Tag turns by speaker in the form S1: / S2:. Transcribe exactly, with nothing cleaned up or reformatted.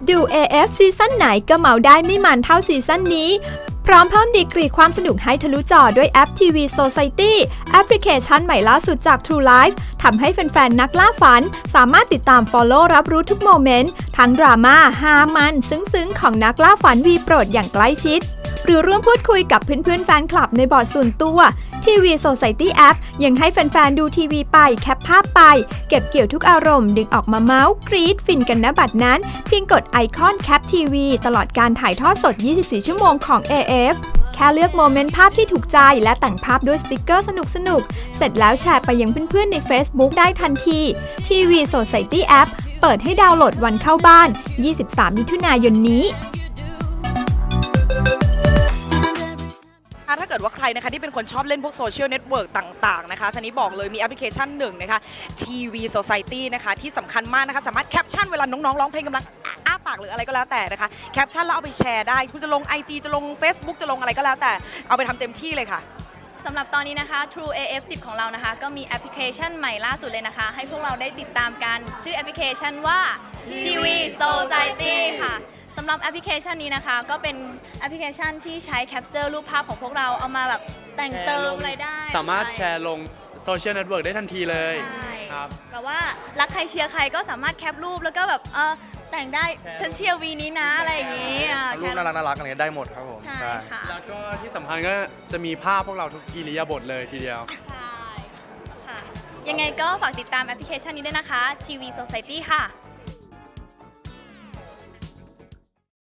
S1: ดู เอ เอฟ ซีซั่นไหนก็เมาได้ไม่มันเท่าซีซั่นนี้พร้อมเพิ่มดีกรีความสนุกให้ทะลุจอด้วยแอป ที วี Society แอปพลิเคชันใหม่ล่าสุดจาก True Life ทำให้แฟนๆ นักล่าฝันสามารถติดตาม Follow รับรู้ทุกโมเมนต์ทั้งดราม่าฮามันซึ้งๆ ของนักล่าฝันวีโปรดอย่างใกล้ชิดหรือร่วมพูดคุยกับเพื่อนๆ แฟนคลับในบอร์ดส่วนตัว ที วี Society App ยังให้แฟนๆ ดูทีวีไปแคปภาพไปเก็บเกี่ยวทุกอารมณ์ดึงออกมาเมาส์กรี๊ดฟินกันณบัดนั้นเพียงกดไอคอนแคปทีวีตลอดการถ่ายทอดสด ยี่สิบสี่ ชั่วโมงของ เอ เอฟ แค่เลือกโมเมนต์ภาพที่ถูกใจและแต่งภาพด้วยสติกเกอร์สนุกๆ เสร็จแล้วแชร์ไปยังเพื่อนๆ ใน Facebook ได้ทันที ที วี Society App เปิดให้ดาวน์โหลดวันเข้าบ้าน ยี่สิบสาม มิถุนายนนี้
S2: ถ้าเกิดว่าใครนะคะที่เป็นคนชอบเล่นพวกโซเชียลเน็ตเวิร์กต่างๆนะคะซันนี้บอกเลยมีแอปพลิเคชันหนึ่งนะคะ ที วี Society นะคะที่สำคัญมากนะคะสามารถแคปชั่นเวลาน้องๆร้องเพลงกำลังอ้าปากหรืออะไรก็แล้วแต่นะคะแคปชั่นแล้วเอาไปแชร์ได้คุณจะลง ไอ จี จะลง Facebook จะลงอะไรก็แล้วแต่เอาไปทำเต็มที่เลยค่ะ
S3: สำหรับตอนนี้นะคะ True เอ เอฟ สิบ ของเรานะคะก็มีแอปพลิเคชันใหม่ล่าสุดเลยนะคะให้พวกเราได้ติดตามกันชื่อแอปพลิเคชันว่า ที วี Society ค่ะสำหรับแอปพลิเคชันนี้นะคะก็เป็นแอปพลิเคชันที่ใช้แคปเจอร์รูปภาพของพวกเราเอามาแบบแต่งเติมอะไรได้
S4: สามารถแชร์ลงโซเชียลเน็ตเวิร์กได้ทันทีเลย
S3: ครับแบบว่ารักใครเชียร์ใครก็สามารถแคปรูปแล้วก็แบบเออแต่งได้ฉันเชียร์วีนี้นะอะไรอย่างนี้
S5: รูปน่ารักน่ารักอะไรได้หมดครับผม
S3: ใช่ค่ะ
S4: แล้วก็ที่สำคัญก็จะมีภาพพวกเราทุกอิริยาบถเลยทีเดียว
S3: ใช่ค่ะยังไงก็ฝากติดตามแอปพลิเคชันนี้ด้วยนะคะ ที วี Society ค่ะ